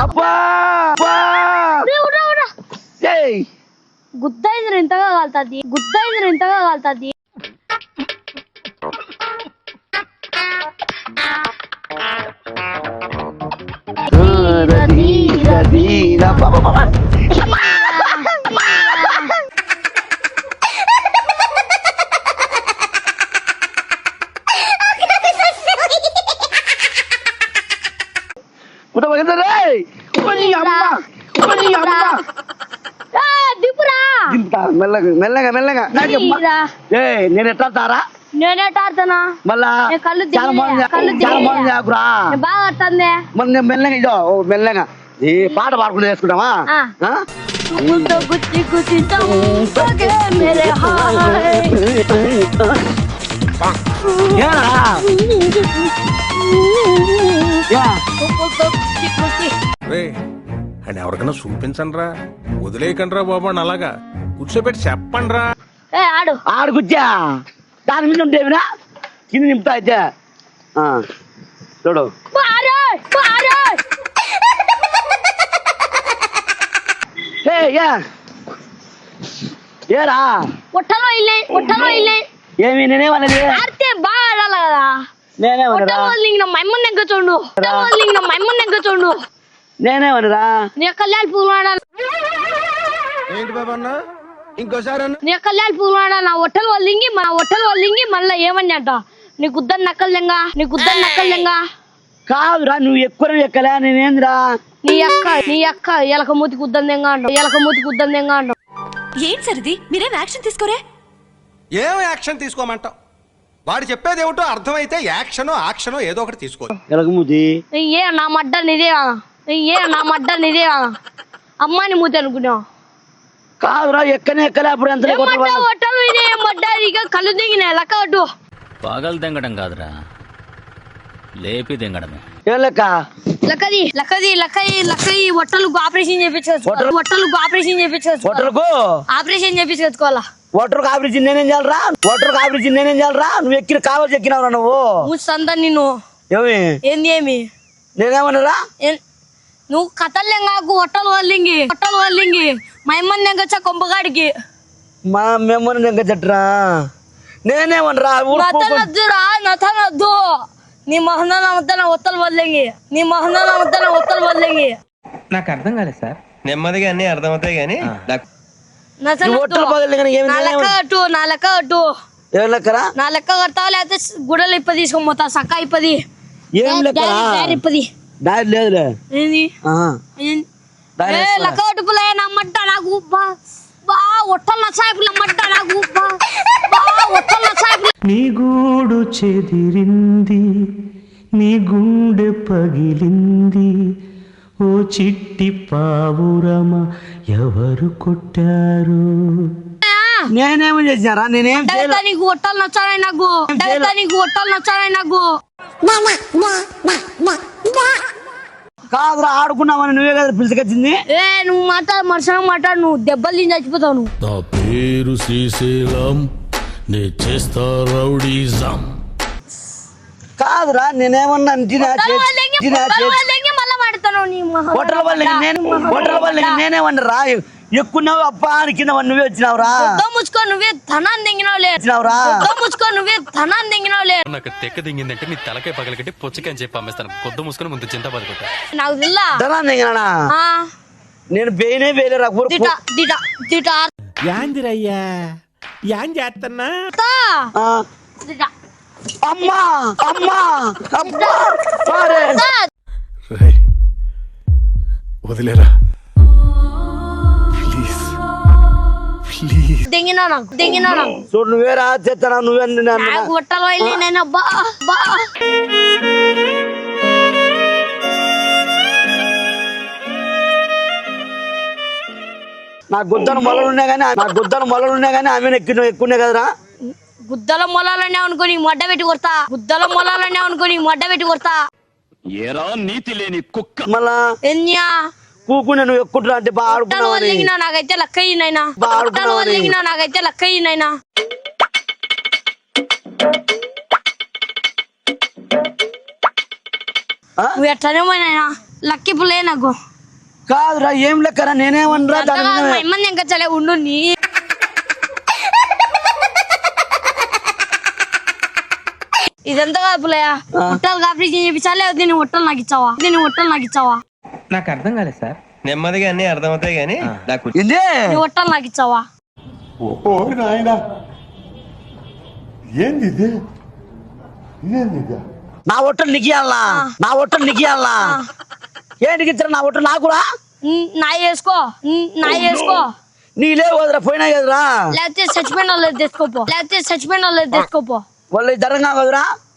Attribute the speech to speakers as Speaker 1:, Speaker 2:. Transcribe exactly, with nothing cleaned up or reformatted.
Speaker 1: గుద్దైంది ఎంతగా కాలుతుంది గుద్దైంది ఎంతగా కాలుతుంది
Speaker 2: మెల్లగా మెల్లగా మెల్లగా నేను ఎట్లా తారా
Speaker 1: నేనేట ఆడుతానా
Speaker 2: మళ్ళా
Speaker 1: కళ్ళు
Speaker 2: చాలా మంది చాలా మంది ఆకురా
Speaker 1: బాగా ఆడుతుంది
Speaker 2: మరి నేను మెల్లగా ఇదో మెల్లగా ఈ పాట పాడుకుంటూ వేసుకుంటామా
Speaker 1: గుచ్చి గుచ్చి మేరే
Speaker 3: అని ఎవరికైనా చూపించండి రా వదిలేయకండి రా బాబు అని అలాగా కూర్చోబెట్టి చెప్పండి రా
Speaker 1: ఆడు
Speaker 2: ఆడు కూర్చా దాని మీద ఉంటేవినా కింద నింపుతా అయితే చూడు ఏరా
Speaker 1: ఒట్టలో ఇల్లే ఒట్టలో ఇల్లే
Speaker 2: ఏమి నేనేమన్నది
Speaker 1: ఆడితే బాగా ఆడాలి కదా
Speaker 2: నేనేమన్నా
Speaker 1: మైమ్మన్ దగ్గర చూడు మైమ్మన్ దగ్గర చూడు
Speaker 2: నేనేమన్నరా
Speaker 1: నీ కళ్యాణ్ పూలు ఆడాలి
Speaker 3: ఏంటి బాబా అన్న ఇంకోసారి
Speaker 1: నీ కళ్యాణ్ పూలు ఆడాలి నా ఒట్టలు వాళ్ళింగి మన ఒట్టలు వాళ్ళింగి మళ్ళీ ఏమని అంట నీ గుద్దని నక్కల్దెంగా నీ గుద్దని నక్కల్దెంగా
Speaker 2: కాదురా నువ్వు ఎక్కువ ఎక్కలే నేనేంద్రా
Speaker 1: నీ అక్క నీ అక్క ఎలక మూతి గుద్దందెంగా అంటావు ఎలక మూతి గుద్దందెంగా అంటావు
Speaker 4: ఏం సరిది మీరేం యాక్షన్ తీసుకోరే
Speaker 3: ఏం యాక్షన్ తీసుకోమంటావు వాడు చెప్పేది ఏమిటో అర్థమైతే యాక్షనో యాక్షనో ఏదో ఒకటి తీసుకో
Speaker 2: ఎలకమూతి
Speaker 1: ఏ నా మడ్డ నిదే ఏ నా మడ్డ నిదే అమ్మాని మూతి అనుకున్నావు
Speaker 2: కాదురా ఎక్కనే ఎక్కలే అప్పుడు ఎంత
Speaker 1: ఒట్టలు ఇదే మడ్డ ఇక కళ్ళు దిగిన లెక్క అటు
Speaker 5: పగలు తెంగడం కాదురా లేపి తెంగడమే
Speaker 2: ఏం లెక్క
Speaker 1: లక్కది లక్కది లక్కది లక్కది ఒట్టలకు ఆపరేషన్ చేయించుకోవచ్చు ఒట్టలకు ఆపరేషన్ చేయించుకోవచ్చు
Speaker 2: ఒట్టలకు
Speaker 1: ఆపరేషన్ చేయించుకోవాలా
Speaker 2: ఓటర్కు ఆపరేషన్ నేనేం చేయాలరా ఓటర్కు ఆపరేషన్ నేనేం చేయాలరా నువ్వు ఎక్కిన కావాలి ఎక్కినావురా నువ్వు
Speaker 1: మూసంతా నిన్ను
Speaker 2: ఏమి
Speaker 1: ఏంది ఏమి
Speaker 2: నేనేమన్నారా
Speaker 1: నువ్వు కథల్లేంగాకు ఒట్టలు వల్లింగి ఒట్టలు వల్లింగి మా అమ్మని నెంగొచ్చా కొంపగాడికి
Speaker 2: మా మెమ్మని నెంగ చెట్రా నేనేమనరా
Speaker 1: నతనద్దురా నతనద్దు నీ మొహంలో నమ్మతన ఒత్తలు వల్లింగి నీ మొహంలో నమ్మతన ఒత్తలు వల్లింగి
Speaker 6: నాకు అర్థం కాలేదు సార్
Speaker 7: నెమ్మదిగా అన్ని అర్థమవుతాయి కానీ
Speaker 1: నా లెక్క అటు నా లెక్క అటు
Speaker 2: ఏం లెక్కరా
Speaker 1: నా లెక్క కడతావా లేకపోతే గుడలు ఇప్పది తీసుకొని పోతా సక్క ఇప్పది
Speaker 2: ఏం లెక్క
Speaker 1: ఇప్పది
Speaker 2: దారి లేదులే
Speaker 1: ఏంది లెక్క అటుపులే నమ్మట్ట నాకు బా బా ఒట్టలు నచ్చాయిపులు నమ్మట్ట నాకు బా బా ఒట్టలు నచ్చాయిపులు
Speaker 6: నీ గూడు చెదిరింది నీ గుండె పగిలింది ఓ చిట్టి పావురమ ఎవరు కొట్టారు
Speaker 2: నేనేమో చేసినారా నేనేం
Speaker 1: నీకు ఒట్టలు నచ్చాయి నాకు నీకు ఒట్టలు నచ్చాయి నాకు
Speaker 2: కాదురా ఆడుకున్నామని నువ్వే కదా పిలుచుకొచ్చింది
Speaker 1: ఏ నువ్వు మాట్లాడు మనుషులు మాట్లాడు నువ్వు దెబ్బలు తిని చచ్చిపోతావు నువ్వు
Speaker 8: నా పేరు శ్రీశైలం నే చేస్తా రౌడీజం
Speaker 2: కాదురా నేనేమన్నా
Speaker 1: మళ్ళా మాడతాను
Speaker 2: హోటల్ వాళ్ళకి నేను హోటల్ వాళ్ళకి నేనేమన్నా ఎక్కున్నావు అప్పా అని కింద నువ్వే వచ్చినావురా
Speaker 1: ముచ్చుకో నువ్వే ధనాన్ని దింగినావులే
Speaker 2: వచ్చినావురా
Speaker 1: ముచ్చుకో నువ్వే ధనాన్ని దింగినావులే
Speaker 5: నాకు తెక్క దింగిందంటే నీ తలకాయ పగలగట్టి పొచ్చిక అని చెప్పి అమ్మేస్తాను కొద్దు మూసుకొని ముందు చింత పడుకుంటా
Speaker 1: నాకు తెల్లా
Speaker 2: ధనాన్ని దింగినా నేను బేనే బేలేరా
Speaker 1: దిట దిట దిట
Speaker 6: యాందిరయ్యా యాన్ చేస్తున్నా
Speaker 2: అమ్మా అమ్మా అమ్మా
Speaker 3: వదిలేరా ప్లీజ్ ప్లీజ్
Speaker 1: దింగినా నాకు దింగినా నాకు
Speaker 2: చూడు నువ్వేరా చేస్తానా నువ్వే
Speaker 1: ఒట్టలు వెళ్ళి నేను బా బా
Speaker 2: నా గుద్దను మొలలు ఉన్నాయి కానీ నా గుద్దను మొలలు ఉన్నాయి కానీ ఆమె ఎక్కువ ఎక్కువనే కదరా
Speaker 1: గుద్దల మొలాలనే అనుకుని మొడ్డ పెట్టి కొడతా గుద్దల మొలాలనే అనుకుని మొడ్డ పెట్టి కొడతా
Speaker 5: ఏరా నీతి లేని కుక్క
Speaker 2: మళ్ళా
Speaker 1: ఎన్యా
Speaker 2: కూకునే నువ్వు ఎక్కుంటా అంటే బాగా
Speaker 1: ఆడుకున్నావు నాకైతే లెక్క అయ్యినైనా వదిలిగినా నాకైతే లెక్క అయ్యినైనా నువ్వు ఎట్లనే పోయినాయినా లక్కి పుల్లే నాకు
Speaker 2: కాదురా ఏం లెక్కరా నేనేమనరా దాని
Speaker 1: అంతగా
Speaker 2: మీద
Speaker 1: మా ఇమ్మని ఇంకా చలే ఉండు నీ ఇదంతా కాదు పుల్లయ్య హోటల్ ఆపరేషన్ చేయించాలి దీని హోటల్ నాకు ఇచ్చావా దీని హోటల్ నాకు ఇచ్చావా
Speaker 6: నాకు అర్థం కాలేదు సార్.
Speaker 7: నెమ్మదిగా అన్ని అర్థమవుతాయి కానీ నాకు
Speaker 2: ఏంది
Speaker 1: నీ హోటల్ నాకు ఇచ్చావా
Speaker 9: ఓ నాయనా ఏంది ఇది ఇదేంది ఇది
Speaker 2: నా హోటల్ నిగియాలనా నా హోటల్ నిగియాలనా ఏంటికి ఇచ్చారు నా హోటల్ నాకురా
Speaker 1: ఉమ్, నా చేసుకో ఉమ్, నా చేసుకో
Speaker 2: నీలే వదరా పోయినా కదరా
Speaker 1: లేకపోతే చచ్చిపోయిన వాళ్ళు తెచ్చుకోపో లేకపోతే చచ్చిపోయిన వాళ్ళు తెచ్చుకోపో
Speaker 2: వాళ్ళు ధరంగా కదరా